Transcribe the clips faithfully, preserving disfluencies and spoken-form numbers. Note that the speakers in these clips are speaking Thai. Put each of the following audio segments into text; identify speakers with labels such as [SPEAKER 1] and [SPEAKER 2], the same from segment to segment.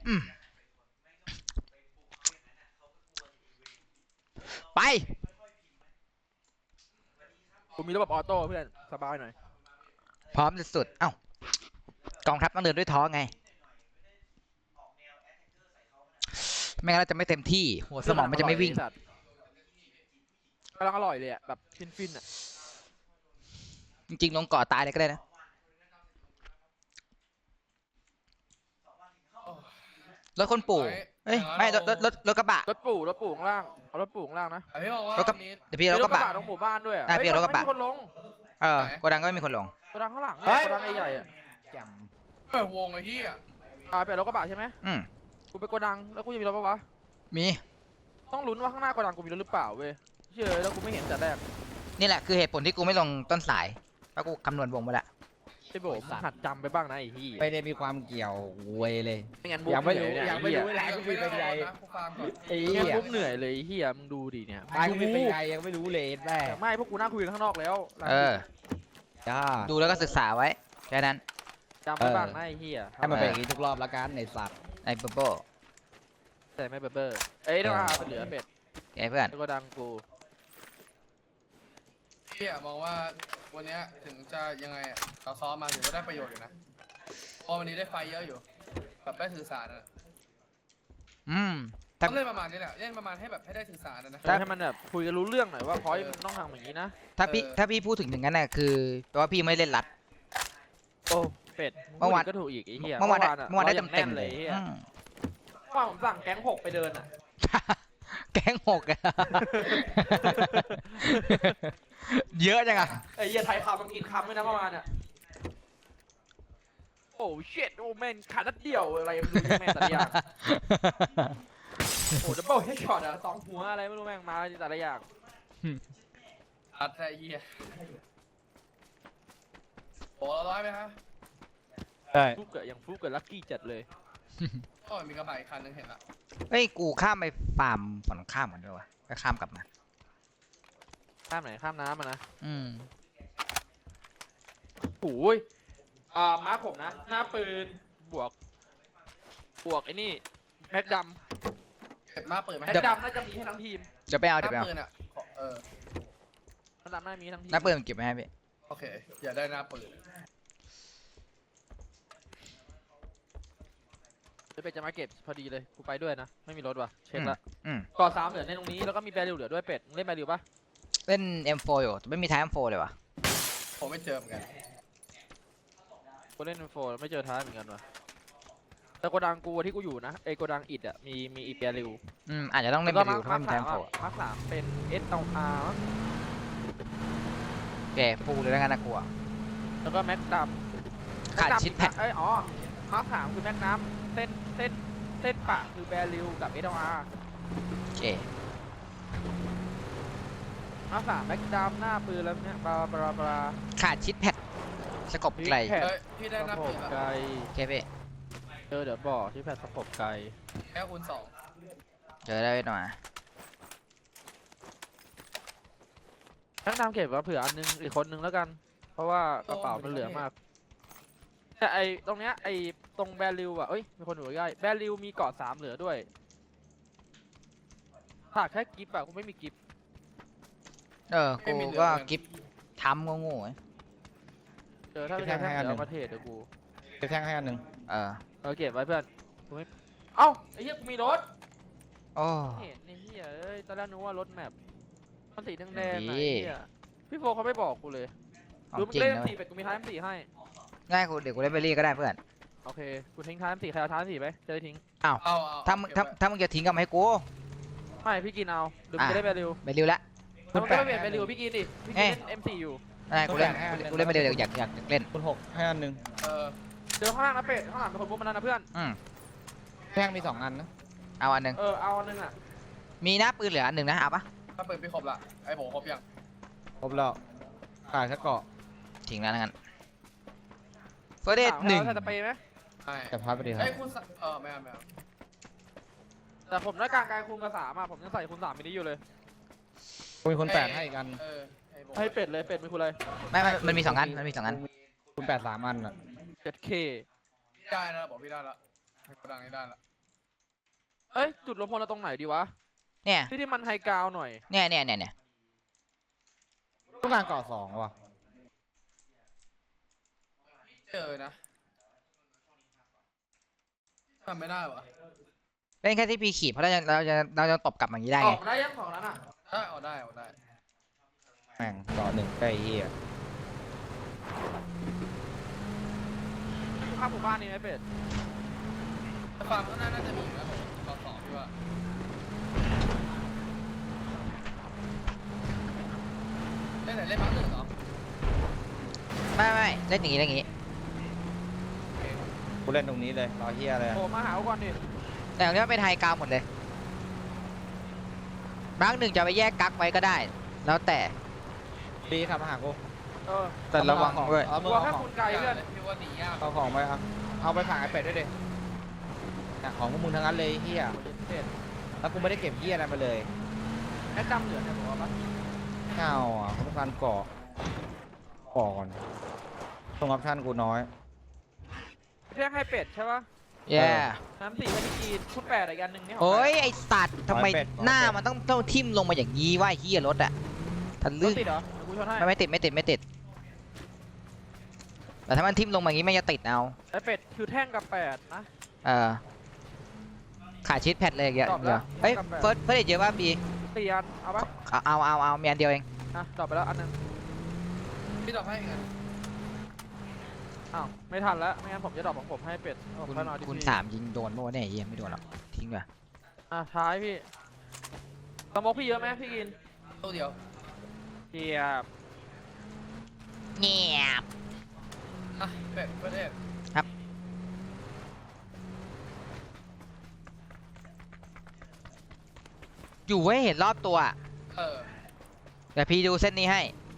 [SPEAKER 1] อืมไป
[SPEAKER 2] กูมีระบบออโต้เพื่อนสบายหน่อย
[SPEAKER 1] พร้อมสุดๆเอ้ากองทัพต้องเดินด้วยท้องไงไม่งั้นเราจะไม่เต็มที่หัวสมองมันจะไม่วิ่ง
[SPEAKER 2] กำลังอร่อยเลยอ่ะแบบฟินๆอ่ะ
[SPEAKER 1] จริงๆลงเกาะตายเลยก็ได้นะรถคนปู่เอ้ยไม่รถรถรถรถกระบะ
[SPEAKER 2] รถปู่รถปู่ข้างล่างเอารถปู่ข้างล่างนะ
[SPEAKER 3] พี่บอกว่าร
[SPEAKER 1] ถกระบะเดี๋ยวพี่รถกระบะ
[SPEAKER 2] ตรงหมู่บ้านด้วยอ่ะ
[SPEAKER 1] ได้พี่รถกระบะ
[SPEAKER 2] ไม่มีคนลง
[SPEAKER 1] เออโกดังก็ไม่มีคนลง
[SPEAKER 2] โกดังข้างหลังเนี่ยโกดังใหญ่ๆอ่ะ
[SPEAKER 3] เปิดวงไอ้ที่อ่ะ
[SPEAKER 2] อ่าเป็นรถกระบะใช่ไหม
[SPEAKER 1] อืม
[SPEAKER 2] กูไปโกดังแล้วกูจะมีรถปะวะ
[SPEAKER 1] มี
[SPEAKER 2] ต้องลุ้นว่าข้างหน้าโกดังกูมีรถหรือเปล่าเว้ยเชื่อแล้วกูไม่เห็นแต่แรก
[SPEAKER 1] นี่แหละคือเหตุผลที่กูไม่ลงต้นสายเพราะกูคำนวณวงไปแล้ว
[SPEAKER 2] ไอ้โบมหัดจำไปบ้างนะไอ้ที่
[SPEAKER 4] ไม่ได้มีความเกี่ยวเวยเลย
[SPEAKER 2] ไม่งั้นมุก
[SPEAKER 4] ยังไม่
[SPEAKER 2] เหนื่
[SPEAKER 4] รู้
[SPEAKER 2] อยเนี่ย
[SPEAKER 4] ยังไม่รู้เวลากูมีเป็นไง
[SPEAKER 3] นะกูฟังก่อน
[SPEAKER 4] ไอ้
[SPEAKER 2] ไม่
[SPEAKER 4] เหี้
[SPEAKER 2] งั้น
[SPEAKER 4] ย
[SPEAKER 2] มุกเหนื่อยเลยไอ้เฮียมึงดูดิเนี่ย
[SPEAKER 4] ตายกูมีเป็นไงยังไม่รู้เลยแม่
[SPEAKER 2] แต่ไม่พวกกูนั่งคุยกันข้างนอกแล้ว
[SPEAKER 1] เออ
[SPEAKER 4] จ้า
[SPEAKER 1] ดูแล้วก็ศึกษาไว้แค่นั้น
[SPEAKER 2] จำไปบ้างนะไอ้เฮีย
[SPEAKER 4] ให้มันเป็นอย่างนี้ทุกรอบละกันในสัตว์
[SPEAKER 1] ไอ้โบโบ
[SPEAKER 2] แต่ไม่เบอร์เบอร์เอ้ยต้องเอาเหลือเป็ด
[SPEAKER 1] ไอ้เพื่อน
[SPEAKER 2] แล้วก็ดังกู
[SPEAKER 3] พี่อะมองว่าวันนี้ถึงจะยังไงอ่ะเขาซ้อมมาถือว่าได้ประโยชน์อยู่นะเพราะวันนี้ได้ไฟเยอะอยู่แบบได้สื่อสารนะ
[SPEAKER 1] อืม
[SPEAKER 3] ต้
[SPEAKER 1] ถ้า
[SPEAKER 3] องเล่นประมาณนี้แหละเล่นประมาณให้แบบให้ได้สื่อสารนะนะ
[SPEAKER 2] ให้มันแบบคุยกันรู้เรื่องหน่อยว่าพอยมันต้องทำอย่างนี้นะ
[SPEAKER 1] ถ้าพี่ถ้าพี่พูดถึงอย่างนั้นน่ะคือแปลว่าพี่ไม่เล่นรัด
[SPEAKER 2] โอ้เป็ด
[SPEAKER 1] เมื่อวาน
[SPEAKER 2] ก็ถูกอีกไอ้เหี้ย
[SPEAKER 1] เมื่อวานได้
[SPEAKER 2] ะ
[SPEAKER 1] เมื่อวานได้
[SPEAKER 2] รา
[SPEAKER 1] เต็ม
[SPEAKER 2] ง
[SPEAKER 1] ๆเลย
[SPEAKER 2] ไอ้เหี้ย
[SPEAKER 1] อืม
[SPEAKER 2] เมื่อวานผมสั่งแก๊งหกไปเดินอ่ะ
[SPEAKER 1] แก๊งหกอะ เยอะจังอะ
[SPEAKER 2] ไอ้เหี้ยไทยคำมันกินคำด้วยนะเมื่อวานอ่ะโอ้เช็ดโอ้แม่งขาดนัดเดียวอะไรไม่รู้แม่งแต่ละอย่างโอ้ดับเบิลเฮดช็อตอ่ะสองหัวอะไรไม่รู้แม่งมาแต่ละอย่าง
[SPEAKER 3] อัดแต่เหี้ยโอ้เราร้อยไหมฮะ
[SPEAKER 4] ใช่
[SPEAKER 2] ฟุกเกิดอย่างฟุกเกิดลัคกี้จัดเลย
[SPEAKER 3] ก็มีกระบะอีกคันนึงเห็นละ
[SPEAKER 1] เฮ้ยกูข้ามไปฟาร์มฝั่งข้ามก่อนด้วยวะก็ข้ามกลับมา
[SPEAKER 2] ข้ามไหนข้ามน้ำอ่ะนะ
[SPEAKER 1] อืม
[SPEAKER 2] โอ้ยอ่ามาร์คผมนะ หน้าปืน บวก บวกไอ้นี่แม็กด
[SPEAKER 3] เห็นมาเปิด
[SPEAKER 2] ำ
[SPEAKER 3] ไหม
[SPEAKER 2] แม็กดำน่าจะมีให้ทั้งทีม
[SPEAKER 1] เดี๋ยวไปเอาเดี๋ยวไป
[SPEAKER 3] หน้า
[SPEAKER 1] เอา
[SPEAKER 3] ปืนอ่ะเออ
[SPEAKER 2] แม็กดำน่าจะมีทั้งทีม
[SPEAKER 1] น้าเปิดมันเก็บไว้ให้พี่
[SPEAKER 3] โอเคอยากได้หน้าปืน
[SPEAKER 2] จะไปจะมาเก็บพอดีเลย กูไปด้วยนะ ไม่มีรถว่ะ เช็คละ
[SPEAKER 1] อืม
[SPEAKER 2] ก่อสามเหลือในตรงนี้ แล้วก็มีแบริวเหลือด้วยเป็ดมึงเล่นแบริวปะ
[SPEAKER 1] เล่น เอ็ม โฟร์ อยู่แต่ไม่มีท้าย เอ็ม โฟร์ เลยวะ
[SPEAKER 3] ผมไม่เจอเหมือนกัน
[SPEAKER 2] กูเล่นโฟร์ไม่เจอท้ายเหมือนกันว่ะแต่โกดังกูที่กูอยู่นะไอโกดังอิดอ่ะ มีมีอีแบริว
[SPEAKER 1] อืมอาจจะต้องเล่น
[SPEAKER 2] แล้ว
[SPEAKER 1] ไป
[SPEAKER 2] ก็
[SPEAKER 1] ดู
[SPEAKER 2] มา
[SPEAKER 1] ถ้า
[SPEAKER 2] ร์
[SPEAKER 1] ไม่
[SPEAKER 2] ค
[SPEAKER 1] มีท้าย
[SPEAKER 2] สาม
[SPEAKER 1] เอ็ม โฟร์
[SPEAKER 2] มาร์คสามเป็นเอสเอลอาร์
[SPEAKER 1] แกฟูเลยแล้วกันนะกูอะ
[SPEAKER 2] แล้วก็แม็กดำ
[SPEAKER 1] ขาดชิดแพด
[SPEAKER 2] เอ้ยอ๋อมาร์คสามคือแม็กน้ำเส้นเส้นเส้นปะคือแบริวกับเอสเอลอาร์
[SPEAKER 1] เจ
[SPEAKER 2] มาร์คสามแม็กดำหน้าปืนแล้วเนี่ยบลาบลาบลา
[SPEAKER 1] ขาดชิดแพดสกบไกล
[SPEAKER 2] แผ่น
[SPEAKER 3] เฮ้ยพี่ได้หน้า
[SPEAKER 2] สะโพ
[SPEAKER 3] ปื
[SPEAKER 2] ก
[SPEAKER 3] นละ
[SPEAKER 2] ไกล
[SPEAKER 1] โอเคพี่
[SPEAKER 2] เจอเดี๋ยวบอกที่แผ่นสะโพกไกล
[SPEAKER 3] แค่คูณสอง
[SPEAKER 1] เจอได้หน่อย
[SPEAKER 2] แม็กดำเก็บไว้เผื่ออันนึงอีกคนนึงแล้วกัน เพราะว่ากระเป๋ามันเหลือมากแต่ไอตรงเนี้ยไอตรงแบริวอ่ะเอ้ยมีคนอยู่ใกล้แบริวมีเกาะสามเหลือด้วยขาดแค่กิฟต์อะกูไม่มีกิฟต์
[SPEAKER 1] เออกูก็กิฟทำโง่ๆไว้
[SPEAKER 2] เจอถ้าไม่ใช่แท่งเดี๋ยวเอามาเทรดเดี๋ยวกู
[SPEAKER 4] จะแท่งให้อันหนึ่ง
[SPEAKER 1] เออ
[SPEAKER 2] เอาเก็บไว้เพื่อนกูไม่เอ้าไอ้เหี้ยกูมีรถ
[SPEAKER 1] โอ้
[SPEAKER 2] เห็นไอ้เหี้ยเอ้ยตอนแรกนึกว่ารถแมพมันสีแดงๆอะ
[SPEAKER 1] ดี
[SPEAKER 2] ไอ้เหี้ยพี่โฟเขาไม่บอกกูเลย
[SPEAKER 1] ขอ
[SPEAKER 2] ดู
[SPEAKER 1] ง
[SPEAKER 2] มึง
[SPEAKER 1] จริง
[SPEAKER 2] เล่น
[SPEAKER 1] นะ
[SPEAKER 2] สี่เป็ดกูมีท้ายสี่ให้
[SPEAKER 1] ง่ายกูเดี๋ยวกูเล่นเบลลี่ก็ได้เพื่อน
[SPEAKER 2] โอเคกูทิ้งท้ายสี่ใครเอาท้ายสี่ไปจะได้ทิ้ง
[SPEAKER 3] เอาเอา
[SPEAKER 1] ถ้ามึงถ้าถ้ามึงจะทิ้งก็มาให้กู
[SPEAKER 2] ไม่พี่กินเอาเดี๋ยวมึงจะได้แบริว
[SPEAKER 1] เบลลี่ละ
[SPEAKER 2] ถ้ามึงไม่เปลี่ยนแบริวพี่กินดิพี่กินเล่น เอ็ม สี่อยู่
[SPEAKER 1] ได้กูเล่นกูเล่นเบลลี่เดี๋ยวอยากอยากเล่น
[SPEAKER 4] คูณหกให้อันหนึ่ง
[SPEAKER 3] เออ
[SPEAKER 2] เจอข้างล่างนะเป็ดข้างหลังเป็นคนพวกมันนั่นนะเพื่อน
[SPEAKER 1] อืม
[SPEAKER 4] แท่งมีสองอันนะ
[SPEAKER 1] เอาอันหนึ่ง
[SPEAKER 2] เออเอาอันนึงอะ
[SPEAKER 1] มีหน้าปืนเหลืออันหนึ่งนะเอาปะ
[SPEAKER 3] ถ้าปืนพี่ครบละไอ้ผมครบยัง
[SPEAKER 4] ครบแล้วขาดแค่เกาะ
[SPEAKER 1] ทิ้งแล้วงั้นเฟอร์เดทหนึ่ง
[SPEAKER 2] เอาสเปรย์ไหม
[SPEAKER 3] ใช่
[SPEAKER 4] แต่พัดไปดีครั
[SPEAKER 3] ไอ้
[SPEAKER 4] บ
[SPEAKER 3] คูณสามเออไม่เอาไม่เอา
[SPEAKER 2] แต่ผมได้กลางกายคูณกับสามอะผมยังใส่คูณสามไม่ได้อยู่เลย
[SPEAKER 4] กูมีคนแปดให้อีกอัน
[SPEAKER 3] เออไอ้ผม
[SPEAKER 2] ให้เป็ดเลยเป็ดเป็นคุณอะไร
[SPEAKER 1] ไม่ไม่มันมีสองอันมันมีสองอัน
[SPEAKER 4] คูณแปดสามอันอ่ะ
[SPEAKER 2] เจ็ดเค
[SPEAKER 3] ได้นะบอกพี่ได้ละให้กระดังนี้ได้ละ
[SPEAKER 2] เอ้ยจุดรวมพลเราตรงไหนดีวะ
[SPEAKER 1] เนี่ย
[SPEAKER 2] ที่ที่มันไฮกราวหน่อย
[SPEAKER 1] เนี่ยเนี่ยเนี่ยเนี่ย
[SPEAKER 4] ต้องการเกาะสองว่ะ
[SPEAKER 3] เจอนะทำไม่ได้วะ
[SPEAKER 1] เล่นแค่ที่พีขีดเพราะเราจะเราจะเราจะตบกลับอย่างนี้ได้
[SPEAKER 2] อ
[SPEAKER 1] ไง
[SPEAKER 2] อกได้ยังของนั้นอ่ะ
[SPEAKER 3] ได้เอาได้เอาได้
[SPEAKER 4] แม่งเกาะหนึ่งใกล้เหี้ย
[SPEAKER 2] ข้ามหมู่บ้านนี่ไหมเป็ด
[SPEAKER 3] แต่ฟาร์มข้างหน้าน่าจะมีอยู่นะผมต่อสองพี่ว่าเล่นไหนเล่นมาร์คหนึ่งเหรอ
[SPEAKER 1] ไม่ไม่ไม่เล่นอย่างนี้เล่นอย่างนี้
[SPEAKER 3] โอเค
[SPEAKER 4] กูเล่นตรงนี้เลยรอเหี้ยเลย
[SPEAKER 2] โผล่มาหากูก่อนดิ
[SPEAKER 1] แต่ตรงนี้มันเป็นไฮกราวหมดเลยบางหนึ่งจะไปแยกกักไว้ก็ได้ แล้วแต่
[SPEAKER 4] ดีขับมาหากู
[SPEAKER 2] เออ
[SPEAKER 1] แต่ระวังด้วย
[SPEAKER 4] เอา
[SPEAKER 2] ก
[SPEAKER 4] มื
[SPEAKER 2] ลั
[SPEAKER 4] อ
[SPEAKER 2] ว
[SPEAKER 4] เอา
[SPEAKER 2] แค่
[SPEAKER 4] ของ
[SPEAKER 2] คุณไกลเพื่อน
[SPEAKER 3] พี่ว่าหนียาก
[SPEAKER 4] เอาของไปเอาเอาไปฝากไอ้เป็ดด้วยดิเนี่ยของพวกมึงทั้งนั้นเลยเหี้ย
[SPEAKER 2] เป็ด
[SPEAKER 4] แล้วกูไม่ได้เก็บเหี้ยอะไรมาเลย
[SPEAKER 2] แค่จำเหลือเนี่ยบอกว่าปะ
[SPEAKER 4] ไม่เอาอ่ะเขาต้องการเกาะก่อนตรงออปชั่นกูน้อย
[SPEAKER 2] เรียกให้เป็ดใช่ปะ
[SPEAKER 1] แย่
[SPEAKER 2] น้ำสี่ให้พี่กีนคุณแปดอีกอันหนึ่งนี่ของ
[SPEAKER 1] โอ้ย
[SPEAKER 2] ใคร
[SPEAKER 1] ไอสัตว์ทำไม
[SPEAKER 4] ร้อยเป็ด
[SPEAKER 1] หน้า
[SPEAKER 4] ร้อยเป็ด
[SPEAKER 1] มันต้องต้องทิ่มลงมาอย่างนี้ว่าเฮียรถอะทะ
[SPEAKER 2] ร
[SPEAKER 1] ลึ่
[SPEAKER 2] ถ
[SPEAKER 1] ง
[SPEAKER 2] ติดเหรอเดี๋ยวกูชนให้
[SPEAKER 1] ไม่ไม่ติดไม่ติดไม่ติด แต่ถ้ามันทิ่มลงมาอย่างนี้ไม่จะติดเอา
[SPEAKER 2] ไอเป็ดคือแท่งกับแปดนะ
[SPEAKER 1] เออขาดชิดแพดเลยอย่างเงี้ย
[SPEAKER 2] ตอบแล้ว
[SPEAKER 1] เดี๋ยวเฮ้ย
[SPEAKER 2] กลับไป
[SPEAKER 1] เฟิร์สเฟิร์สเยอะป่ะบี
[SPEAKER 2] สี่อันเอาปะ
[SPEAKER 1] เอาเอาเอาเอามีอันเดียวเอง
[SPEAKER 2] อ่ะตอบไปแล้วอันหนึง
[SPEAKER 3] พี่ตอบให้อีกอัน
[SPEAKER 2] อ้าวไม่ทันแล้วไม่งั้นผมจะดรอปของผมให้เป็ดเอา
[SPEAKER 1] คุณ
[SPEAKER 2] ค่อยนอนดิ
[SPEAKER 1] คุณ
[SPEAKER 2] พี่
[SPEAKER 1] สามยิงโดนเมื่อวานเนี่ยเฮียไม่โดนหรอกทิ้งไป
[SPEAKER 2] อ่ะท้ายพี่สมองพี่เยอะไหมพี่กิน
[SPEAKER 3] ตัวเดียว
[SPEAKER 2] เกียบ
[SPEAKER 1] เงียบ
[SPEAKER 3] อ่ะเป็ดประเทศ
[SPEAKER 1] อยู่ให้เห็นรอบตัวอะ
[SPEAKER 3] เออ
[SPEAKER 1] เดี๋ยวพี่ดูเส้นนี้ให้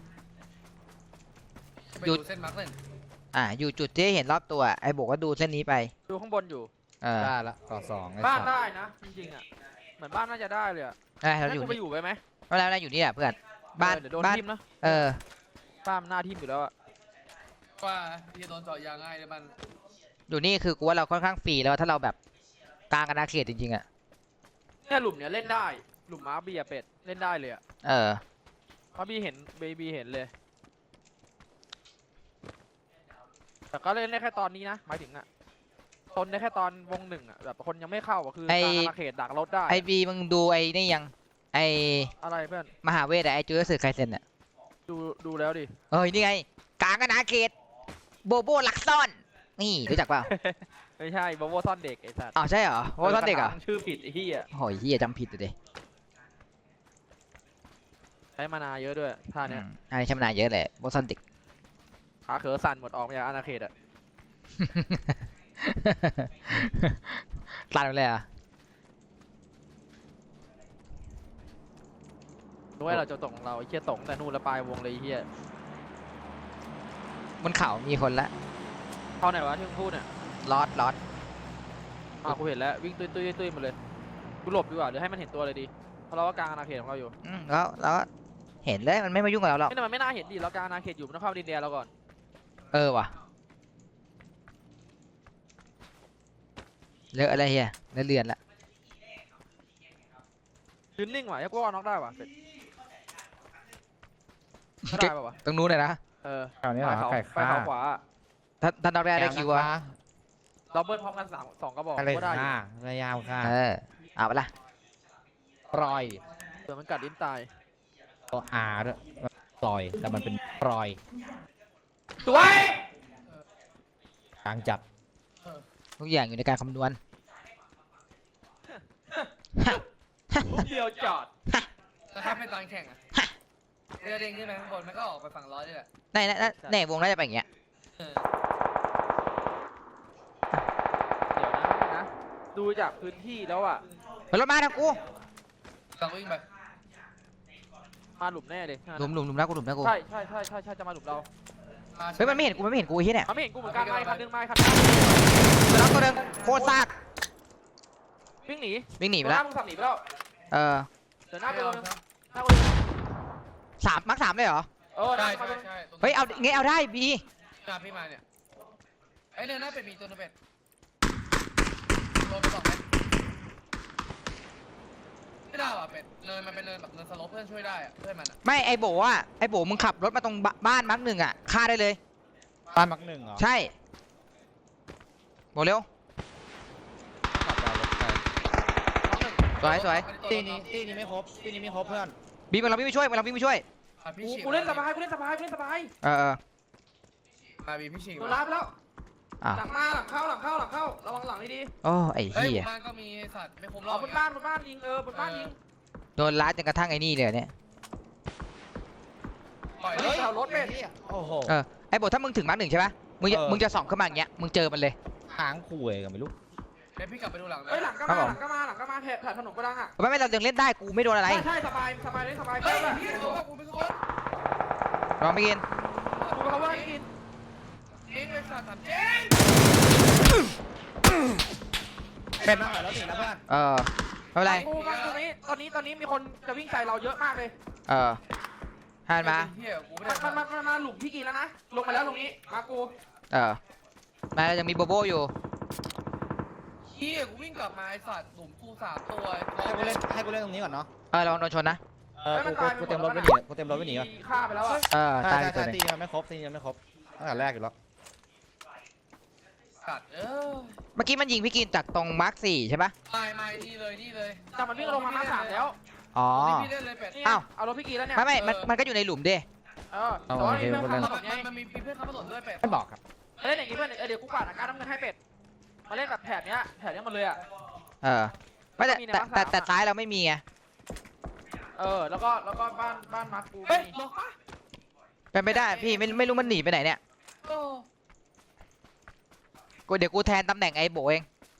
[SPEAKER 3] ไป
[SPEAKER 1] หยุ
[SPEAKER 3] ดู
[SPEAKER 1] ด
[SPEAKER 3] เส้นมาร์คหนึ่ง
[SPEAKER 1] อ่าอยู่จุดที่ให้เห็นรอบตัวไอ้บอกว่าดูเส้นนี้ไป
[SPEAKER 2] ดูข้างบนอยู่
[SPEAKER 1] เออ
[SPEAKER 4] ได้ละเกาะสองไอ้
[SPEAKER 2] บ้าน
[SPEAKER 4] สัตว์
[SPEAKER 2] ได้นะจริงๆอ่ะเหมือนบ้านน่าจะได้เลยอ่ะ
[SPEAKER 1] ได้เรา
[SPEAKER 2] ให้
[SPEAKER 1] อยู่
[SPEAKER 2] กูไป
[SPEAKER 1] นี่
[SPEAKER 2] อยู่ไปไหม
[SPEAKER 1] ไม่แล้วเราอยู่นี่แหละเพื่อนบ้าน
[SPEAKER 2] เออเดี๋ยวโดน
[SPEAKER 1] บ้าน
[SPEAKER 2] ทิมนะ
[SPEAKER 1] เออ
[SPEAKER 2] บ้านมันหน้าทิมอยู่แล้วอ่ะ
[SPEAKER 3] ว่าพี่โดนเจาะยางง่ายเลยมัน
[SPEAKER 1] อยู่นี่คือกูว่าเราค่อนข้างฟรีแล้วถ้าเราแบบกลางอาณาเขตจริงๆอ่ะ
[SPEAKER 2] เนี่ยหลุมเนี้ยเล่นได้หลุมม้าเบียเป็ดเล่นได้เลยอ่ะ
[SPEAKER 1] เออ
[SPEAKER 2] เพราะบีเห็นเบบีเห็นเลยแต่ก็เล่นได้แค่ตอนนี้นะหมายถึงอ่ะทนได้แค่ตอนวงหนึ่งอ่ะแบบคนยังไม่เข้าอ่ะคือ
[SPEAKER 1] ไอ้
[SPEAKER 2] กลางอาณาเขตดักรถได้
[SPEAKER 1] ไอบีมึงดูไอ้นี่ยังไอ
[SPEAKER 2] อะไรเพื่อน
[SPEAKER 1] มหาเวทอะไอจูเลสึไคเซนอ่ะ
[SPEAKER 2] ดูดูแล้วดิ
[SPEAKER 1] เอ้ยนี่ไงกลางอาณาเขตโบโบลักซ่อนนี่รู้จักเปล่า
[SPEAKER 2] ไม่ใช่บอโวซ่อนเด็กไอ้สัตว์
[SPEAKER 1] อ๋อใช่เหรอโบโบซ่อนเด็กเหรอ
[SPEAKER 2] ชื่อผิดไอ้เหี้ย
[SPEAKER 1] โอ้ยเฮียจำผิดเลย
[SPEAKER 2] ใช้มานาเยอะด้วยท่าเนี้ย
[SPEAKER 1] ไอ้ชำนาญเยอะแหละโบซ่อนเด็ก
[SPEAKER 2] ขาเขอสั่นหมดออกมาจากอาณาเขตอ่ะ
[SPEAKER 1] ตัดไปเลยเหรอ่ะ
[SPEAKER 2] ด้วยเราจะตกของเราไอ้เหี้ยตกตั้งแต่นู่นแล้วปลายวงเลยไอ้เหี้ย
[SPEAKER 1] บนเขามีคนละ
[SPEAKER 2] เข้าไหนวะที่มึงพูดเนี่ย
[SPEAKER 1] ลอดลอด
[SPEAKER 2] อ่ากูเห็นแล้ววิ่งตุ้ยตุ้ยตุ้ยมาเลยกูหลบดีกว่าเดี๋ยวให้มันเห็นตัวเลยดีเพราะเราก็กลางอาณาเขตของเราอยู่
[SPEAKER 1] อืมแล้วแล้วก็เห็นเลยมันไม่มายุ่งกับเราหรอก
[SPEAKER 2] ไม่แต่มันไม่น่าเห็นดิเรากลางอาณาเขตอยู่มันต้องเข้าดินแดนเราก่อน
[SPEAKER 1] เออว่ะเลอะอะไรเฮียเลอะเลือนละ
[SPEAKER 2] ยืนนิ่งว่ะยังกูว่าน็อกได้ว่ะเป็ดไม่ได้ป่ะวะ
[SPEAKER 1] ตรงนู้นเลยนะ
[SPEAKER 2] เออ
[SPEAKER 4] แถวนี้เหรอ
[SPEAKER 2] ไปเขา
[SPEAKER 4] ไก่
[SPEAKER 2] ไป
[SPEAKER 4] ฆ่า
[SPEAKER 2] เขาขวาอะ
[SPEAKER 1] ถ้าถ้าเราได้ได้คิวอะ
[SPEAKER 2] เราเบิ้ลพร้อมกันสามสองกระบอก
[SPEAKER 4] อะไร
[SPEAKER 2] ก็ได้อยู่
[SPEAKER 4] ฆ่าระยาวฆ่า
[SPEAKER 1] เออเอาไปละ
[SPEAKER 4] ปล่อย
[SPEAKER 2] เดี๋ยวมันกัดลิ้นตาย
[SPEAKER 4] ตัวอาด้วยปล่อยแต่มันเป็นปล่อย
[SPEAKER 2] สวย
[SPEAKER 4] กลางจัด
[SPEAKER 1] ทุกอย่างอยู่ในการคำนวณ
[SPEAKER 2] ลูกเดียวจอด
[SPEAKER 3] แล้วถ้าเป็นตอนแข่งอ่ะเรือเด้งขึ้นไปข้างบนมันก็ออกไปฝั่งร้อยนี่แหละ
[SPEAKER 1] ในในในในวงน่าจะเป็นอย่างเงี้ย
[SPEAKER 3] เออ
[SPEAKER 2] เดี๋ยวนะนะ ดูจากพื้นที่แล้วอ่ะ
[SPEAKER 1] ไปรถมาทางกู
[SPEAKER 3] ลองวิ่งไป
[SPEAKER 2] มาหลุมแน่เลย
[SPEAKER 1] หลุมหลุมหลุมนะกูหลุมนะกู
[SPEAKER 2] ใช่ใช่ใช่ใช่ใช่จะมาหลุมเรา
[SPEAKER 3] มา
[SPEAKER 1] เฮ้ยมันไม่เห็นกูมันไม่เห็นกูไอ้เหี้ยเนี่ย
[SPEAKER 2] เขาไม่เห็นกูเหมือนกันไม่คันนึงไม่คันนึง
[SPEAKER 1] ตัวน้องตัวหนึงโคตรซาก
[SPEAKER 2] วิ่งหนี
[SPEAKER 1] วิ่งหนีไป
[SPEAKER 2] ห
[SPEAKER 1] แล้
[SPEAKER 2] น้าว มึงสับหนีไปแล้ว
[SPEAKER 1] เออ
[SPEAKER 2] เดี๋ยวหน้า
[SPEAKER 3] ไม่
[SPEAKER 2] กู
[SPEAKER 3] เอา
[SPEAKER 2] เลย
[SPEAKER 3] ครับ
[SPEAKER 2] หน้ากูเลย
[SPEAKER 1] สามมักสามเลยเหรอ
[SPEAKER 2] เออหน้า
[SPEAKER 3] ใช่
[SPEAKER 2] กู
[SPEAKER 3] ใช่
[SPEAKER 2] เลย
[SPEAKER 3] ใช่ตรงนี้
[SPEAKER 1] เฮ้ยเอางี้เอาได้บี
[SPEAKER 3] มาพี่มาเนี่ยไอ้เรือหน้าเป็ดมีตัวนึงเป็ดโดนไปสองไหมไม่ได้ว่ะเป็ดเนินมันเป็นเนินแบบเนินสโลปเพื่อนช่วยได้อะเพื่อนมันอะ
[SPEAKER 1] ไม่ไอโบอ่ะไอโบมึงขับรถมาตรงบ้านมาร์กหนึ่งอ่ะฆ่าได้เลย
[SPEAKER 4] บ้านมักหนึ่งเหรอ
[SPEAKER 1] ใช่โบเร็ว
[SPEAKER 4] ขับดาวรถไป
[SPEAKER 1] สวยสวย
[SPEAKER 4] ตีนี้ตีนี้ไม่ครบตีนี้ไม่ครบเพื่อน
[SPEAKER 1] บีมเราวิ่งไปช่วยเราวิ่งไปช่วย
[SPEAKER 3] อ่ะพี่
[SPEAKER 2] กู
[SPEAKER 3] ฉีก
[SPEAKER 2] กูเล่นสบายกูเล่นสบายกูเล่นสบาย
[SPEAKER 1] เออเออ
[SPEAKER 3] มาบีพี่ฉีก
[SPEAKER 2] โดน
[SPEAKER 3] มา
[SPEAKER 2] รับแล้ว
[SPEAKER 1] อ่ะ
[SPEAKER 2] หลังมาหลังเข้าหลังเข้าหลังเข้าระวังหลังดี
[SPEAKER 1] โอ้ไอ
[SPEAKER 3] เฮ้ย
[SPEAKER 1] เหี้ย
[SPEAKER 3] บ้านก็มีสัตว์ไม่คม
[SPEAKER 2] ๆ
[SPEAKER 3] ร
[SPEAKER 2] อ๋
[SPEAKER 3] อ
[SPEAKER 2] อบ บนบ้านบนบ้านยิงเออบนบ้านยิง
[SPEAKER 1] โดนลัดจนกระทั่งไอ้นี่เลยเนี่ย
[SPEAKER 3] ปล่อย
[SPEAKER 2] เฮ้ยเอารถเป็ด
[SPEAKER 4] โอ้โห
[SPEAKER 1] เออไอโบถ้ามึงถึงมาร์กหนึ่งใช่ปะมึงจะ
[SPEAKER 4] เออ
[SPEAKER 1] มึงจะส่องขึ้นมาอย่างเงี้ยมึงเจอมันเลย
[SPEAKER 4] หางคุยกันไม่รู้
[SPEAKER 3] เดี๋ยวพี่กลับไปดูหลังนะ
[SPEAKER 2] เฮ้ยหลังก็
[SPEAKER 1] ครั
[SPEAKER 2] มา
[SPEAKER 1] บผม
[SPEAKER 2] หลังก็มาหลังก็มาแถบแถบถนนกระดังอ่ะ
[SPEAKER 1] ไม่ไม่เรายังเล่นได้กูไม่โดนอะไร
[SPEAKER 2] ใช่ใช่สบายสบายเลยสบาย
[SPEAKER 3] เฮ้ย
[SPEAKER 2] แบบ
[SPEAKER 3] พี่โดนกูเป็นคน
[SPEAKER 1] ลองไปกิน
[SPEAKER 2] กูไปเขาว่าให้กิน
[SPEAKER 3] เจ๊งเลยสัตว์ถามเจ๊ง
[SPEAKER 4] เป็นมาหน่อยแล้วติดแล้วเพื่อน
[SPEAKER 1] เออไม่เป็นไร
[SPEAKER 2] กูมาตรงนี้ตอนนี้ตอนนี้มีคนจะวิ่งใส่เราเยอะมากเลย
[SPEAKER 1] เออหันมา
[SPEAKER 3] เฮียกูไม่
[SPEAKER 2] มั
[SPEAKER 3] ได้
[SPEAKER 2] นมันมันมันมาหลุมพี่กินแล้วนะลงมาแล้วตรงนี้มากู
[SPEAKER 1] เออมายังมีโบโบอยู่
[SPEAKER 3] เฮียกูวิ่งกลับมาไอสัตว์หลุมกูสามตัวไอ้
[SPEAKER 4] ให้กูเล่นให้กูเล่นตรงนี้ก่อนเนาะ
[SPEAKER 1] เออลองโดนชนนะ
[SPEAKER 4] เออกูกูกูเต็มรถไปหนีกูเต็มรถไปหนีก่อน
[SPEAKER 2] ฆ่าไปแล้วอ่ะ
[SPEAKER 1] เออ
[SPEAKER 4] ใช่
[SPEAKER 1] ตาย
[SPEAKER 4] ใช่
[SPEAKER 1] ไปตัว
[SPEAKER 4] ใช่
[SPEAKER 1] หนึ
[SPEAKER 4] ตี
[SPEAKER 1] ง
[SPEAKER 4] ยังไม่ครบตียังไม่ครบตั้งแต่แรกอยู่แล้ว
[SPEAKER 3] สัตว์เออ
[SPEAKER 1] เมื่อกี้มันยิงพี่กินจากตรงมาร์คสี่ใช่ปะ
[SPEAKER 3] ไม่ไม่นี่เลยนี่เลย
[SPEAKER 2] แต่มันวิ่งลงมาหน้าสามแล้ว
[SPEAKER 1] อ๋อ
[SPEAKER 3] นี่พี่เล่นเลยเป็ด
[SPEAKER 2] นี่
[SPEAKER 1] อ้าว
[SPEAKER 2] เอารถพี่กีแล้วเนี่ย
[SPEAKER 1] ไม่ไม่มันมันก็อยู่ในหลุมดิ
[SPEAKER 2] เออแต่ว่านี่เพื่อนขับถนนไง
[SPEAKER 3] มันมีเพื่อนขับถนนด้วยเป็ด
[SPEAKER 4] ไม่บอกครับ
[SPEAKER 2] เล่นอย่างนี้เพื่อนเออเดี๋ยวกูกวาดอาการน้ำเงินให้เป็ดมาเล่นแบบแถบเนี้ยแถบเนี้ยมาเลยอ่ะ
[SPEAKER 1] เออไม่แต่
[SPEAKER 2] มีใน
[SPEAKER 1] แต่
[SPEAKER 2] มาร์ค
[SPEAKER 1] แต่
[SPEAKER 2] สาม
[SPEAKER 1] แต่ซ้ายเราไม่มีไง
[SPEAKER 2] เออแล้วก็แล้วก็บ้านบ้านมาร์คกู
[SPEAKER 3] เฮ้ย
[SPEAKER 2] มี
[SPEAKER 3] ล็อกปะ
[SPEAKER 1] เป็นไปได้พี่ไม่ไม่รู้มันหนีไปไหนเนี่ย
[SPEAKER 3] โอ้
[SPEAKER 1] กูเดี๋ยวกูแทนตำแหน่งไอ้โบเอง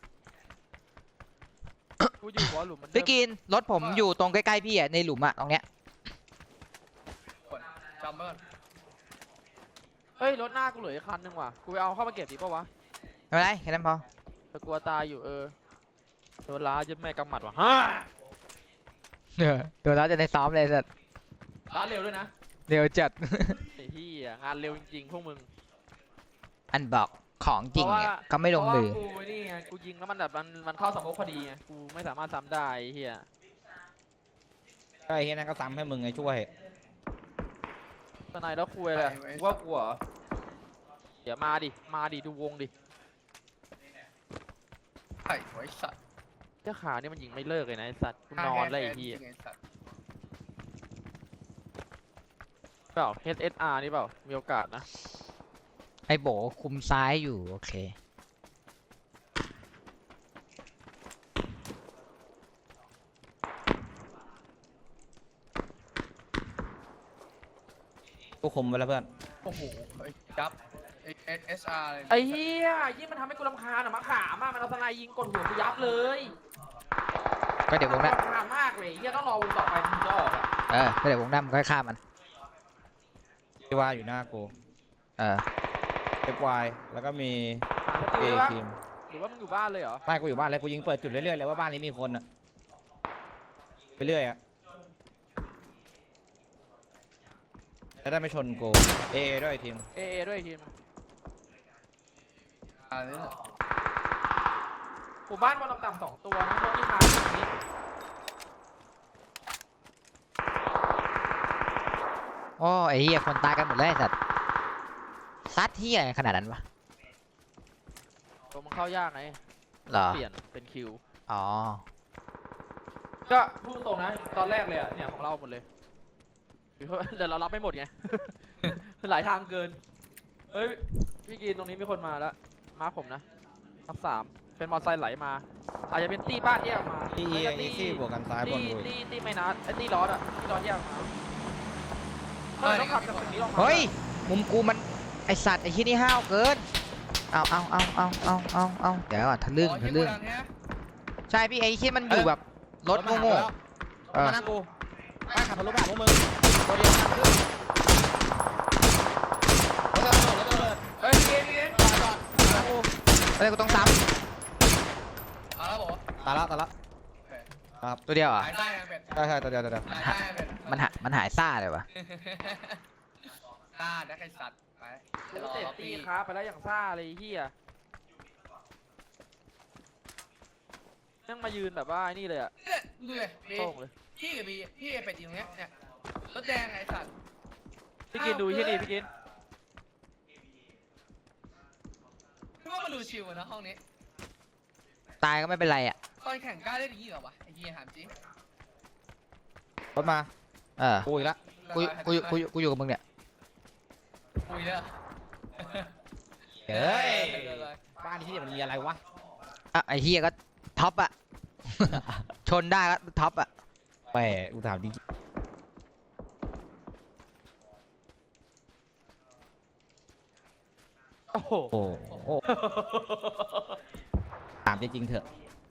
[SPEAKER 2] กูอยู่หัวหลุมมันเดิ
[SPEAKER 1] พี่
[SPEAKER 2] ม
[SPEAKER 1] กินรถผมอยู่ตรงใกล้ๆพี่อ่ะในหลุมอ่ะตรงเนี้ย
[SPEAKER 3] กดจำเบอร์
[SPEAKER 2] เฮ้ยรถหน้ากูเหลืออีกคันนึงว่ะกูไปเอาเข้ามาเก็บดีป่าวะ
[SPEAKER 1] ไม่เป็นไรแค่นั้นพอ
[SPEAKER 2] แต่กลัวตายอยู่เออโดนล้ายึดแม่กำหมัดว่ะฮ่า
[SPEAKER 1] เออเดี๋ยวเราจะได้ซ้อมเลยสัตว์
[SPEAKER 2] ล้าเร็วด้วยนะ
[SPEAKER 1] เดี๋ยวจัด
[SPEAKER 2] ไอ้ที่งานเร็วจริงๆพวกมึง
[SPEAKER 1] อันบอกของจริงเนี่ยก็ไม่ลงมือ
[SPEAKER 2] เพราะว่ากูนี่ไงกูยิงแล้วมันแบบมันมันเข้าสมองพอดีไงกูไม่สามารถซ้ำได้ไอ้เฮีย
[SPEAKER 4] ไอ้เฮียนั่นก็ซ้ำให้มึงไงช่วย
[SPEAKER 2] ตอนไหนแล้วคุยเลยกูว่ากลัวเหรอเดี๋ยวมาดิมาดิดูวงดิ
[SPEAKER 3] ไข่ไว้สัตว์
[SPEAKER 2] เจ้าขาเนี่ยมันยิงไม่เลิกเลยนะไอ้สัตว์กูนอนเลยไอ้เฮีย
[SPEAKER 3] ไอ้สัตว์
[SPEAKER 2] เปล่า เอช เอส อาร์ นี่เปล่ามีโอกาสนะ
[SPEAKER 1] ไอ้โบคุมซ้ายอยู่โอเค
[SPEAKER 4] กูคุมไว้แล้วเพื่อน
[SPEAKER 3] โอ้โหไอ้จับไอ้เอสอาร์เลย
[SPEAKER 2] ไอ้เฮียยิ่งมันทำให้กูรำคาญอะมะขามอะมันเอาสไนยิงกดหัวกูยับเลย
[SPEAKER 1] ก็เดี๋ยววงหน้าร
[SPEAKER 2] ำคาญมากเลยเฮียต้องรอวงต่อไปถึงจะออกอะ
[SPEAKER 1] เออก็เดี๋ยววงหน้ามันค่อยฆ่ามัน
[SPEAKER 4] ที่ว่าอยู่หน้ากู
[SPEAKER 1] เออ
[SPEAKER 4] เอฟวายแล้วก็มี
[SPEAKER 2] หาส
[SPEAKER 4] เอ
[SPEAKER 2] ติลได้ปะ
[SPEAKER 4] ทีม
[SPEAKER 2] หรือว่ามึงอยู่บ้านเลยเหรอ
[SPEAKER 4] ไม่กูอยู่บ้านเลยกูยิงเปิดจุดเรื่อยๆเลยว่าบ้านนี้มีคนอะไปเรื่อยอะจะได้ไม่ชนกูเอด้วยทีม
[SPEAKER 2] เอเอด้วยทีม
[SPEAKER 3] อะไรเนี่ย
[SPEAKER 2] หมู่บ้านบอลต่ำๆสองตัวนะรถที่มาตรงนี้
[SPEAKER 1] โอ้ไอ้เหี้ยคนตายกันหมดเลยไอ้สัตว์ซัดเหี้ยขนาดนั้นวะ
[SPEAKER 2] ตัวมันเข้ายากไง
[SPEAKER 1] เหรอ
[SPEAKER 2] เปลี่ยนเป็นคิว
[SPEAKER 1] อ๋อ
[SPEAKER 2] ก็พูดตรงนะตอนแรกเลยอะเนี่ยของเราหมดเลยเดี๋ยวเรารับไม่หมดไง หลายทางเกินเฮ้ยพี่กินตรงนี้มีคนมาแล้วมาผมนะทับสามเป็นมอเตอร์ไซค์ไหลมาอาจจะเป็นตีบ้านแยกออกมา
[SPEAKER 4] ที่เอ
[SPEAKER 2] ไม่ก็
[SPEAKER 4] อีซี่บวกกันซ้ายบ
[SPEAKER 2] ตี
[SPEAKER 4] นกู
[SPEAKER 2] ตีตีไม่นัดไอ้ตีล้ออะตีล้อแยกออกมาเออต้องขับจากตรงนี้ลงมา
[SPEAKER 1] เฮ้ยมุมกูมันไอสัตว์ไอที่นี่ห้าวเกินเอาเอาเอาเอาเอาเอาเอาเดี๋ยวก่อนทะลึ่ง
[SPEAKER 3] อ๋อ
[SPEAKER 1] ทะลึ่ง
[SPEAKER 3] ยี่ปุ่นอันเนี้ย
[SPEAKER 1] ใช่พี่ไอที่มันอยู่แบบรถโง่ๆเออ
[SPEAKER 4] มาหน้ากูไปขับทะลุไปหาพวกมึงตัวเดียวกันขึ้นรถระเบิดรถระเบิด
[SPEAKER 2] เฮ้ยพี่กินพี่กิน
[SPEAKER 4] จอดจอดหน้ากู
[SPEAKER 1] เฮ้ยกูต้องซ้
[SPEAKER 3] เอาแล้วบอกว่า
[SPEAKER 4] ตายละตายละ
[SPEAKER 1] ำตัวเดียวเหรอ่ะ
[SPEAKER 3] หายได้ยังเป็ด
[SPEAKER 4] ใช่ใช่ตัวเดียวตัวเดียว
[SPEAKER 3] หายได้ยังเป็ด
[SPEAKER 1] มันหามันหายซ่าเลยวะ
[SPEAKER 3] ซ่าได้ไอ้สัตว์ไป
[SPEAKER 2] กูเตะตีขาไปแล้วอย่างซ่าเลยไอ้เฮียยังมายืนแบบว่าไอ้นี่เลยอะ
[SPEAKER 3] เนี่ยดูเลยบี
[SPEAKER 2] โต้งเลย
[SPEAKER 3] พี่กับบีพี่ไอเป็ดอยู่ตรงเนี้ยเนี่ยรถแดงไอ้สัตว์
[SPEAKER 2] พี่กินดูที่นี่พี่กิน
[SPEAKER 3] พี่ว่ามันดูชิวอะนะห้องนี้
[SPEAKER 1] ตายก็ไม่เป็นไรอ่ะ
[SPEAKER 3] ตอนแข่งกล้าเล่นอย่างนี้เหรอวะไอ้เหี้ยถามจริง
[SPEAKER 4] รถมา
[SPEAKER 1] เออ
[SPEAKER 4] กูอีกละ
[SPEAKER 1] กูกูกูกูอยู่กับมึงเนี่ย
[SPEAKER 3] คุยเลย
[SPEAKER 4] เฮ้ยบ้านที่มันมีอะไรวะ
[SPEAKER 1] อ่ะไอ้เฮียก็ท็อปอ่ะ ชนได้ก็ท็อปอ่ะ
[SPEAKER 4] แหมกูถามดิ
[SPEAKER 2] โอ้โห
[SPEAKER 4] โอ้โหถามจริงๆเถอะ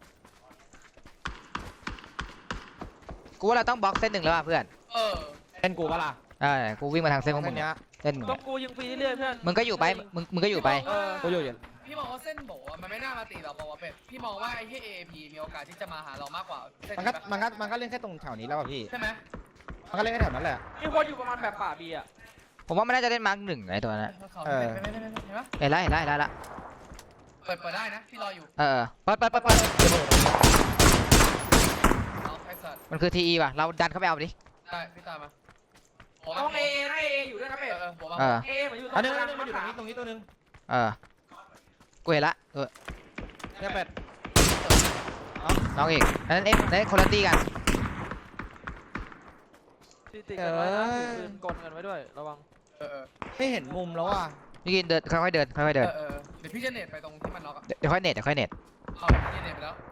[SPEAKER 1] กูว่าเราต้องบล็อกเส้นหนึ่งแล้วอ่ะเพื่อน
[SPEAKER 3] เออ
[SPEAKER 4] เล่นกูปะล่ะ
[SPEAKER 1] เออกูวิ่งมาทางเส้นของมึง
[SPEAKER 4] เนี้
[SPEAKER 1] เนี่ย
[SPEAKER 4] ย
[SPEAKER 1] เส้นมึง
[SPEAKER 2] ต้อ
[SPEAKER 1] เนี่ย
[SPEAKER 2] งกูยิงฟรีเรื่อยๆเพื่อน
[SPEAKER 1] มึงก็อยู่ไปมึงมึงก็อยู่ไป
[SPEAKER 2] เออ
[SPEAKER 4] กูอยู่อยู่
[SPEAKER 3] พี่มองว่าเส้นโบอะมันไม่น่ามาตีเราบอกว่าเป็ดพี่มองว่าไอ้ที่เอพีมีโอกาสที่จะมาหาเรามากกว่าเส้น
[SPEAKER 4] มัน
[SPEAKER 3] นี้
[SPEAKER 4] ก็
[SPEAKER 3] ปะ
[SPEAKER 4] มันก็มันก็เล่นแค่ตรงแถวนี้แล้วป่ะพี่
[SPEAKER 3] ใช่ไหม
[SPEAKER 4] มันก็เล่นแค่แถวนั้นแหละ
[SPEAKER 2] มีคนอยู่ประมาณแบบป่าบีอะ
[SPEAKER 1] ผมว่ามันน่าจะเล่นมาร์กหนึ่งไอ้ตัวนั้น
[SPEAKER 3] เขา
[SPEAKER 4] เออ
[SPEAKER 3] ไม่ไม่ไม่ไม่เห็นปะ
[SPEAKER 1] เห็นแล้วเห็นแล้วเห็นแล้วละ
[SPEAKER 3] เปิดเปิดได้นะพี่รออยู่
[SPEAKER 1] เออเปิดเปิดเปิดเปิด
[SPEAKER 3] เอาไอ้สัตว์
[SPEAKER 1] มันคือทีอีว่ะเราดันเข้าไปเอาดิ
[SPEAKER 3] ได้พี่ตามมาผม
[SPEAKER 2] ต้องเอนะเออยู่ด้วยนะ
[SPEAKER 3] เอ
[SPEAKER 2] เป็ด
[SPEAKER 3] อเออผมมา
[SPEAKER 1] เออ
[SPEAKER 2] เอเหมือนอยู่ตร
[SPEAKER 4] อัน
[SPEAKER 2] ง
[SPEAKER 4] นึง
[SPEAKER 2] ก
[SPEAKER 4] อั
[SPEAKER 2] ลาน ง
[SPEAKER 4] นึงมันอยู่ตรงนี้ตรงนี้ตัวนึง
[SPEAKER 1] เออกูเห็นละเออ
[SPEAKER 4] เนี่ยเป็ด
[SPEAKER 1] น้องอีกอันนั้นเอ็กซ์นั่นคนละตีกัน
[SPEAKER 2] ติดติดกันไว้นะถือปืนกลกันไว้ด้วยระวัง
[SPEAKER 3] เออเออ
[SPEAKER 4] ไม่เห็นมุมแล้วอ่ะ
[SPEAKER 1] พี่กินเดินค่อยๆเดินค่อยๆ
[SPEAKER 3] เอ
[SPEAKER 1] เดิน
[SPEAKER 3] อเออเดี๋ยวพี่จะเน็ตไปตรงที่มันล็อกอะ
[SPEAKER 1] เดี๋ยวค่อยเน็ตเดี๋ยวค่อยเน็ต
[SPEAKER 3] เอาพี่เน็ตไปแล้ว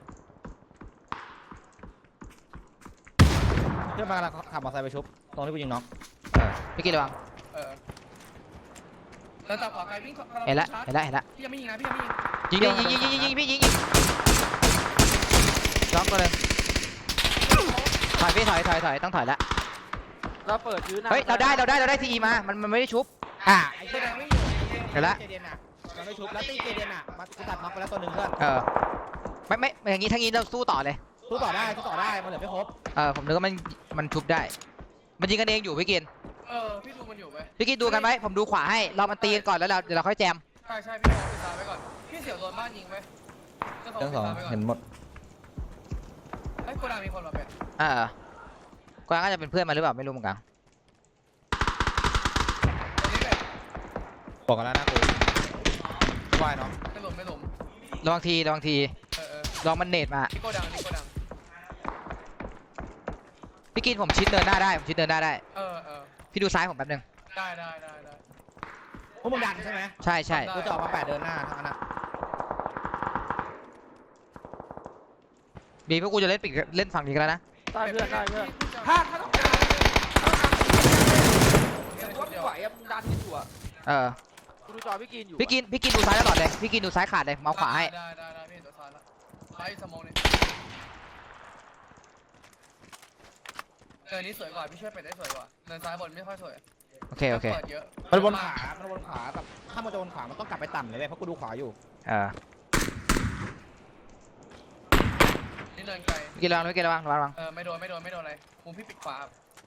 [SPEAKER 4] เพื่อนมากำลังขับมอเตอร์ไซค์ไปชุบตรงที่กูยิงน็อก
[SPEAKER 1] เออพี่กินระวัง
[SPEAKER 3] เออแล้วตาขวาไกลวิ่งเข้า
[SPEAKER 1] เห็นละเห็นละเห็นละ
[SPEAKER 3] พี่ยังไม่ยิงนะพี่ยังไม่ยิง
[SPEAKER 1] ยิงยิงยิงยิงยิงยิงพี่ยิงยิงล็อกตัวหนึ่งถอยพี่ถอยถอยถอยต้องถอยละ
[SPEAKER 2] เราเปิดยื้อหน้า
[SPEAKER 1] เฮ้ยเราได้เราได้เราได้ทีมามันมันไม่ได้ชุบอ่ะ
[SPEAKER 4] ไอ้
[SPEAKER 3] แส
[SPEAKER 4] เหี้ย
[SPEAKER 3] ดงไม่อยู่
[SPEAKER 1] เห็นละ
[SPEAKER 4] เจเดนอ่ะมันไม่ชุบแล้วตีเจเดนอ่ะมันกูตัดน็อกไปแล้วตัวหนึ่งเพื่อน
[SPEAKER 1] เออไม่ไม่อย่างงี้ทั้งนี้เราสู้ต่อเลย
[SPEAKER 4] สู้ต่อได้สู้ต่อได้มันเหลือไม่ครบ
[SPEAKER 1] เออผมนึกว่ามันมันชุบได้ มันยิงกันเองอยู่พี่กิน
[SPEAKER 3] เออพี่ดูมันอยู่ไหม
[SPEAKER 1] พี่กินดูกันไหมผมดูขวาให้เรามันตีกันก่อนแล้วเราเดี๋ยวเราค่อยแจม
[SPEAKER 3] ใช่ใช่พี่มองปิดตาไว้ก่อนพี่เสี่ยวโดนบ้านยิงไหม
[SPEAKER 4] เรื่องสองเห็นหมด
[SPEAKER 3] ไอ้โกดังมีคนมาเป็น
[SPEAKER 1] เออกวางก็จะเป็นเพื่อนมาหรือเปล่าไม่รู้เหมือนกัน
[SPEAKER 3] ตรงนี้เป็น
[SPEAKER 4] บอกกันแล้วนะกูวายเนาะ
[SPEAKER 3] ไม่หลุมไม่หลุม
[SPEAKER 1] ระวังทีระวังที
[SPEAKER 3] เออเออ
[SPEAKER 1] ลองมันเนตมา
[SPEAKER 3] นี่โกดังนี่โกดัง
[SPEAKER 1] พี่กินผมชิดเดินหน้าได้ผมชิดเดินหน้าได้
[SPEAKER 3] เออเออ
[SPEAKER 1] พี่ดูซ้ายผมแป๊บนึง
[SPEAKER 3] ได้ได้ได้ได้
[SPEAKER 4] พวกมึงดันใช่ไหม
[SPEAKER 1] ใช่ใช่
[SPEAKER 4] กูจะออกมาแปดเดินหน้าทั้งนั้นอ่ะ
[SPEAKER 1] บีพวกกูจะเล่นปีกเล่นฝั่งนี้กันแล้วนะ
[SPEAKER 2] ได้เพื่อนได้เพื่อน
[SPEAKER 3] ถ้า
[SPEAKER 2] ถ้าถ้าต้องการว่าไม่ไหวอะมึงดันที่หัว
[SPEAKER 1] เออ
[SPEAKER 2] กูดูจอพี่กินอยู่
[SPEAKER 1] พี่กินพี่กินดูซ้ายตลอดเลยพี่กินดูซ้ายขาดเลยเมาขวาให้
[SPEAKER 3] ได้ได้ได้พี่เห็นตัวซ้ายแล้วซ้ายสมองนี่เออนี่สวยกว่าพี่ช่วยเป็ดได้สวยกว่าเนินซ้ายบนไม่ค่อยสวย
[SPEAKER 1] โอเคโอเค
[SPEAKER 3] เปิดเยอะ
[SPEAKER 4] มันวนขวามันวนขวาแบบถ้ามันจะวนขวามันต้องกลับไปต่ำเลยเว้ยเพราะกูดูขวาอยู่
[SPEAKER 1] เออ
[SPEAKER 3] นี่เนินไกล
[SPEAKER 1] พี่กินระวังพี่กินระวังระวัง
[SPEAKER 3] เออไม่โดนไม่โดนไม่โดนอะไรมุมพี่ปิดขวา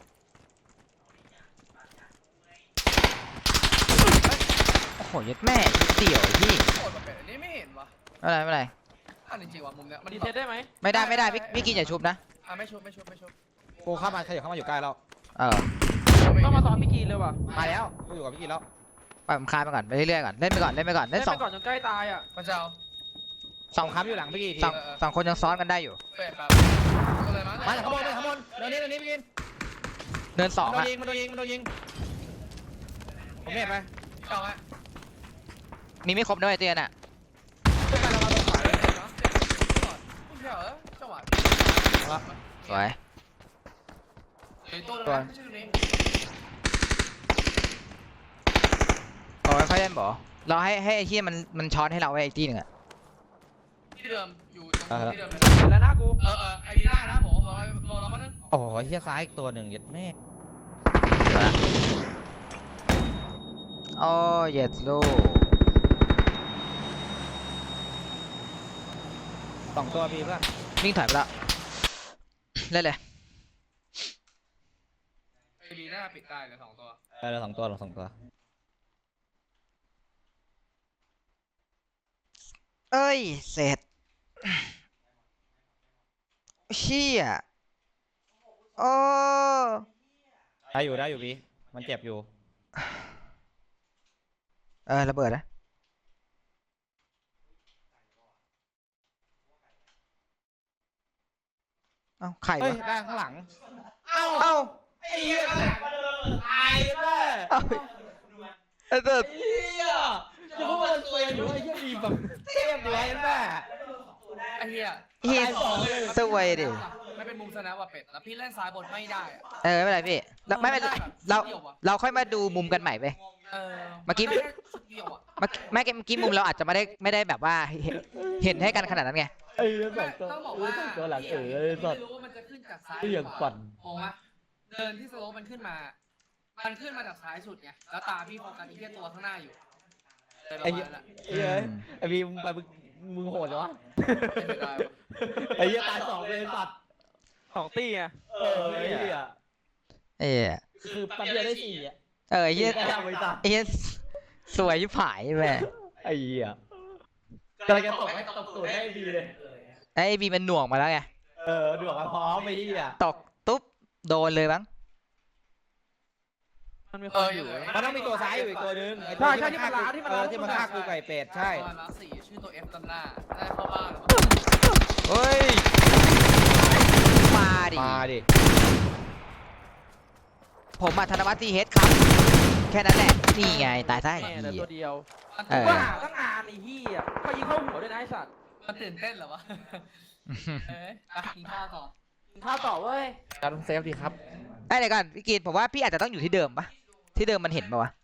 [SPEAKER 1] โอ้โหยัดแม่นิดเดี่ยวไอ้พี่
[SPEAKER 3] โคตรแบบเป็ดอันนี้ไม่เห็นวะ
[SPEAKER 1] ไม่เป็นไรไม่เป็นไร
[SPEAKER 3] อันจริงๆว่ะมุมเนี้ยมัน
[SPEAKER 2] ดีเทสได้ไหม
[SPEAKER 1] ไม่ได้ไม่ได้พี่พี่กินอย่าชุบนะ
[SPEAKER 3] อ่ะไม่ชุบไม่ชุบไม่ชุบ
[SPEAKER 4] กูเข้ามาขยับเข้ามาอยู่ใกล้แล้ว
[SPEAKER 1] เออ
[SPEAKER 2] ต้องมาซ้อมพี่กินเลยว่ะ
[SPEAKER 4] มาแล้วกูอยู่กับพี่กินแล้ว
[SPEAKER 1] ปล่อยผมคลายไปก่อนไปเรื่อยๆก่อนเล่นไปก่อนเล่นไปก่อน
[SPEAKER 2] เล่
[SPEAKER 1] เล่
[SPEAKER 2] น
[SPEAKER 1] นส
[SPEAKER 2] ไป
[SPEAKER 1] อง
[SPEAKER 2] ก่อนจนใกล้ตายอ่ะ
[SPEAKER 3] พระเจ้า
[SPEAKER 1] สอง
[SPEAKER 4] ค้ำอยู่หลังพี่กินที
[SPEAKER 1] สองสองคนยังซ้อนกันได้อยู่
[SPEAKER 3] เป็ดแบบก็เลยมั้ง
[SPEAKER 4] มาจากข้างบนเลยข้างบนเดินนี้เดินนี้พี่กิน
[SPEAKER 1] เดินสอง
[SPEAKER 4] มันโด
[SPEAKER 1] อะ
[SPEAKER 4] นยิงมันโดนยิงมันโดนยิงผมเห็นไป
[SPEAKER 3] เจ้าฮะ
[SPEAKER 1] มีไม่ครบด้วยไอ้เตี้ยน่ะ
[SPEAKER 4] เพื่อนเรามาตรงขวาเลย
[SPEAKER 3] เจ้าเหรอจังหวะ
[SPEAKER 1] สวย
[SPEAKER 3] เฮ้ยตัวนึงชื่อนี้
[SPEAKER 1] บอกไม่ค่อยเล่นบ่เราให้ให้ไอ้ที่มันมันช้อนให้เราไว้ไอ้ที่หนึ่งอะ
[SPEAKER 3] ที่เดิมอยู่ตรงที่เดิม
[SPEAKER 2] เห็นแล้วนะกู
[SPEAKER 3] เออเออไอ้นี่ได้นะผมบอกบอกเรามานึง
[SPEAKER 4] โอ้โหเฮียซ้ายอีกตัวหนึ่งเย็ดแม่
[SPEAKER 1] โอ้เย็ดลูก
[SPEAKER 4] สองตัวพี่เพื่อน
[SPEAKER 1] วิ่งถอยไปแล้วเล่นเลย
[SPEAKER 3] ไอ้ดีน่าปิดได้เลยสองตัว
[SPEAKER 4] เออสองตัวสองตัว
[SPEAKER 1] เอ้ยเสร็จเชี่ยโอ้
[SPEAKER 4] ได้อยู่ได้อยู่พี่มันเจ็บอยู่
[SPEAKER 1] เออระเบิดนะเอ้าไข่
[SPEAKER 4] เฮ้ยว
[SPEAKER 1] ะ
[SPEAKER 4] ได้ข้างหลัง
[SPEAKER 1] เอ้า
[SPEAKER 4] ไอ้เหี้ยตายเลย
[SPEAKER 1] เอ้าไอ้เด็ด
[SPEAKER 4] เหี้ยจะพูดว่ามันเซยอยู่ไอ้เหี้ยมีแบบเทพเลยแม่
[SPEAKER 3] ไอ้เหี้ย
[SPEAKER 1] เฮียสวยดิ
[SPEAKER 3] ไม่เป็นมุมสแนปว่ะเป็ดแล้วพี่เล่นซ้ายบนไม่ได้อะ
[SPEAKER 1] เออไม่เป็นไรพี่เราไม่เป็นไรเราเราค่อยมาดูมุมกันใหม่ไป
[SPEAKER 3] เออ
[SPEAKER 1] เมื่อกี้
[SPEAKER 3] นได้แค่ชุดเดียวอะ
[SPEAKER 1] เมื่อไม่เมื่อกี้มุมเราอาจจะไม่ได้ไม่ได้แบบว่าเห็นเห็นให้กันขนาดนั้นไง
[SPEAKER 4] ไอ้เหี้ยสองตัว
[SPEAKER 3] ต้องบอก
[SPEAKER 4] ไอ้
[SPEAKER 3] ว่า
[SPEAKER 4] สองตัวหลังเออ
[SPEAKER 3] พี่
[SPEAKER 4] ไอ้สัตว์
[SPEAKER 3] ไม่รู้ว่ามันจะขึ้นจากซ้าย
[SPEAKER 4] ไอ้อย่างปั่น
[SPEAKER 3] มองว่าเดินที่สโลปมันขึ้นมา มันขึ้นมาจากซ้ายสุดไงแล้วตาพี่โฟกัสที่แค่ตัวข้างหน้าอยู่เลยประ
[SPEAKER 4] ไอ้
[SPEAKER 3] มา
[SPEAKER 4] เหี้ย
[SPEAKER 3] ณนั้นแหละ
[SPEAKER 4] ไอ้เหี้ยไอ้พี่มึงไปมึงมึงโหดเหรอวะ
[SPEAKER 3] ไม่ได้วะ
[SPEAKER 4] ไอ้เหี้ยตายสองเลยไอ้สัตว์
[SPEAKER 2] สองตีไง
[SPEAKER 4] เออไอ้เหี้ย
[SPEAKER 1] เออ
[SPEAKER 4] คือแป๊บเดียวได้สี่อ่ะ
[SPEAKER 1] เออไอ้เฮีย
[SPEAKER 4] ได้ทำไอ้สัตว์
[SPEAKER 1] ไอ้เฮียสวยชิบหายแม่
[SPEAKER 4] ไอ้เหี้ยกำลังจะตกให้ตกตูดให้ดีเลย
[SPEAKER 1] ไอ้บีมันหน่วงมาแล้วไง
[SPEAKER 4] เออดูออกมาพร้อมไอ้เหี้ย
[SPEAKER 1] ตกตุ๊บโดนเลยมั้ง
[SPEAKER 2] มันมีคนอยู่
[SPEAKER 4] มันต้องมีตัวซ้ายอยู่อีกตัวนึงไอ้
[SPEAKER 2] ใช่
[SPEAKER 4] ตัว
[SPEAKER 2] ใช่ที่มันล้าที่มัน
[SPEAKER 4] เอ
[SPEAKER 2] ล้า
[SPEAKER 4] อที่มันฆ่ากูไก่เป็ดใช่
[SPEAKER 3] ประมาณมาร์คสี่ชื่อตัว F ตำหน้าได้เข้าบ้านแล้ว
[SPEAKER 1] เฮ้ยมาดิ
[SPEAKER 4] มาดิ
[SPEAKER 1] ผมมาธนวัฒน์ทีเฮดครับ แค่นั้นแหละนี่ไงตายซะไอ้
[SPEAKER 2] แม่เหลือ
[SPEAKER 1] เหี้
[SPEAKER 2] ตั
[SPEAKER 1] ยว
[SPEAKER 2] เดียว
[SPEAKER 3] มัน
[SPEAKER 1] เออ
[SPEAKER 2] ว่าหาตั้งนานไอ้เหี้ยมายิงเข้าหัวด้วยนะไอ้สัตว์
[SPEAKER 3] มันตื่นเต้นเหรอวะ เอ้ยไปกินข้าวต่อ
[SPEAKER 2] กินข้าวต่อเว้ย
[SPEAKER 4] การเซฟดีครับ
[SPEAKER 1] ไอ้เดี๋ยวก่อนพี่กีนผมว่าพี่อาจจะต้องอยู่ที่เดิมปะที่เดิมมันเห็นปะวะ